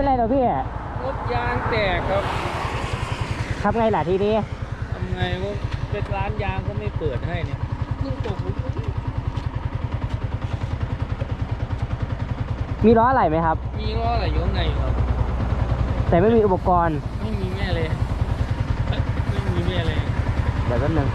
เป็นไรหรอพี่รถยางแตกครับทำไงล่ะทีนี้ทำไงว่าเป็นร้านยางก็ไม่เปิดให้เนี่ยเพิ่งตกมีล้ออะไรไหมครับมีล้ออะไรอยู่ข้างในครับแต่ไม่มีอุปกรณ์ไม่มีแม่เลยไม่มีแม่เลยเดี๋ยวแป๊บนึง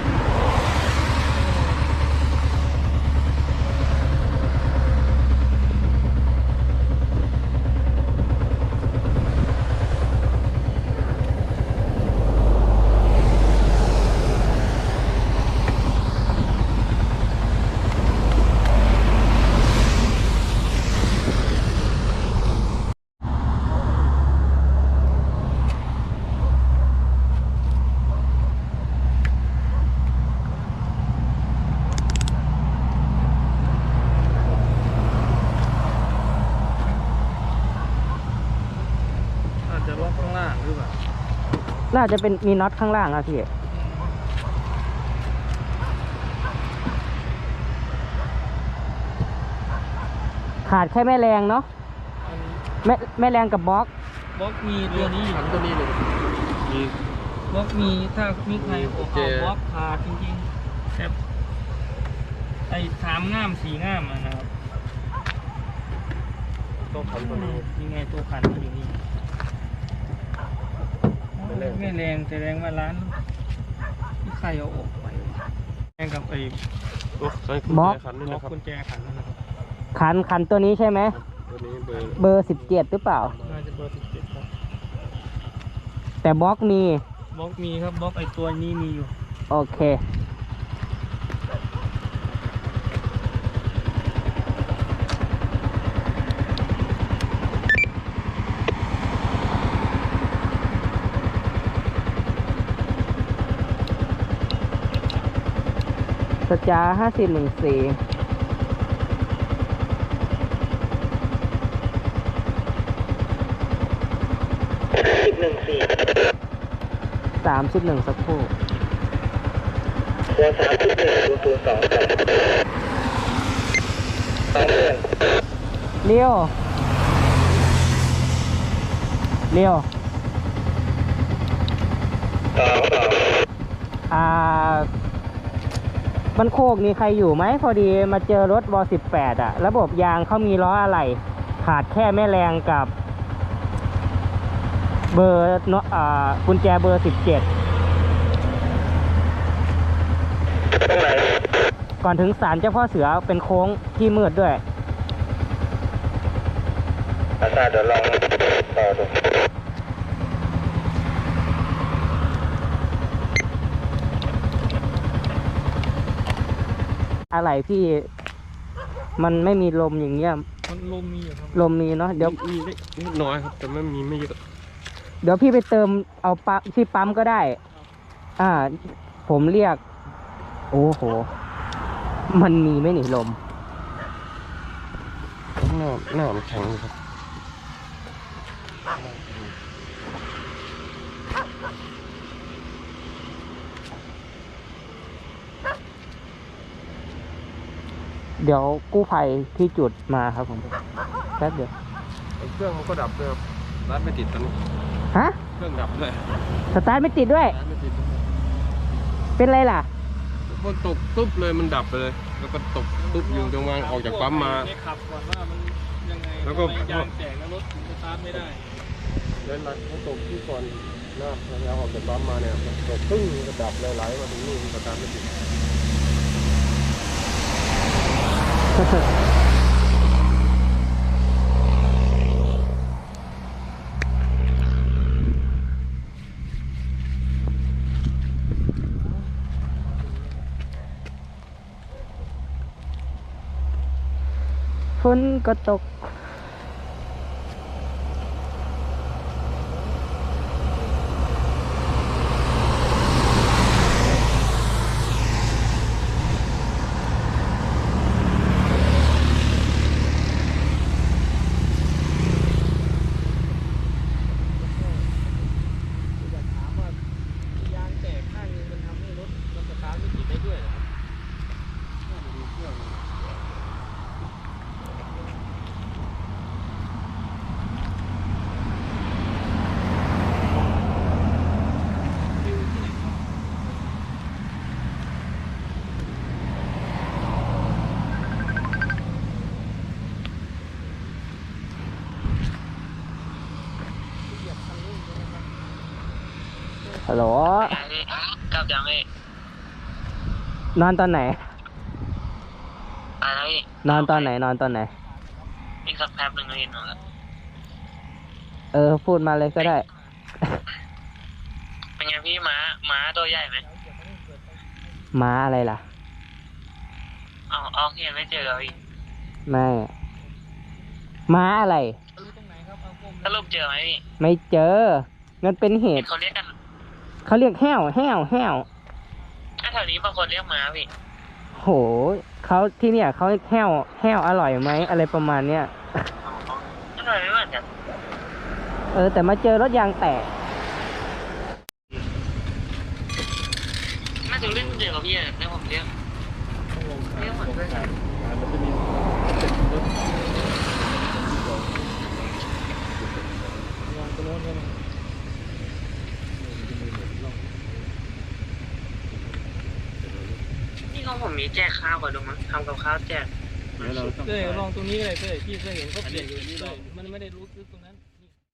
จะล็อกข้างล่างหรือเปล่าน่าจะเป็นมีน็อตข้างล่างครับพี่ขาดแค่แม่แรงเนาะแม่แรงกับบล็อกมีตัวนี้ขันตัวนี้เลยมีบล็อกมีถ้ามีใครออกบล็อกขาดจริงๆแต่ไอ้3 ง่าม 4 ง่ามนะครับตัวขันตัวนี้ยังไงตัวขันมันอยู่นี่ไม่แรงแต่แรงมาร้านที่ใครเอาออกไปแรงกับไอ้บล็อกกุญแจขันนั่นนะครับขันตัวนี้ใช่ไหมตัวนี้เบอร์17หรือเปล่าน่าจะเบอร์17ครับแต่บล็อกมีครับบล็อกไอ้ตัวนี้มีอยู่โอเคสจา5014 31สักครู่ตัว31ตัว2 เลี้ยวมันโคกนี่ใครอยู่ไหมพอดีมาเจอรถว18ระบบยางเขามีล้ออะไรขาดแค่แม่แรงกับเบอร์กุญแจเบอร์17ก่อนถึงศาลเจ้าพ่อเสือเป็นโค้งที่มืดด้วยอาจารย์เดี๋ยวลองต่อดูอะไรพี่มันไม่มีลมอย่างเงี้ยมันลมมีอยู่ครับลมมีเนาะเดี๋ยวมีนิดน้อยครับแต่ไม่เยอะเดี๋ยวพี่ไปเติมเอาปั๊มที่ปั๊มก็ได้ผมเรียกโอ้โหมันมีไม่หนีลมหน้ามันแข็งครับเดี๋ยวกู้ภัยที่จุดมาครับผมแป๊บเดียวเครื่องมันก็ดับเลยร้านไม่ติดตอนนี้ฮะเครื่องดับเลยสตาร์ทไม่ติดด้วยเป็นไรล่ะมันตกตุ๊บเลยมันดับไปเลยแล้วก็ตกตุ๊บอยู่ตรงวางออกจากปั๊มมาขับก่อนว่ามันยังไงแล้วก็ยางแตกแล้วรถสตาร์ทไม่ได้เดินหลังเขาตกที่ก่อนหน้าเราออกจากปั๊มมาเนี่ยตกตึ้งก็ดับเลยไหลมาถึงนี่สตาร์ทไม่ติดฝนก็ตกฮัลโหลกลับยังพี่นอนตอนไหนอะไรพี่นอนตอนไหน นอนตอนไหนอีกสักแป๊บหนึ่งก็เห็นหนูแล้วพูดมาเลยก็ได้เป็นไงพี่ม้าตัวใหญ่ไหมม้าอะไรล่ะเอาเห็นไม่เจอพี่ไม่ ม้าอะไรสรุปเจอไหมพี่ไม่เจอ มันเป็นเหเห็นตุเขาเรียกกันเขาเรียกแห้ว แห้ว แห้วถ้าแถวนี้บางคนเรียกม้าพี่โห เขาที่เนี่ยเขาเรียกแห้ว แห้วอร่อยไหม อะไรประมาณเนี้ยอร่อยไม่เหมือนกันแต่มาเจอรถยางแตกน่าจะเล่นเดียวกับพี่อะแล้วผมเรียกเหมือนกันนี่ของผมมีแจกข้าวก่อนดูมั้งทำกับข้าวแจกเต้ยลองตรงนี้ก็ได้เต้ยพี่เคยเห็นเขาเปลี่ยนอยู่นี่เลยมันไม่ได้รู้สึกตรงนั้น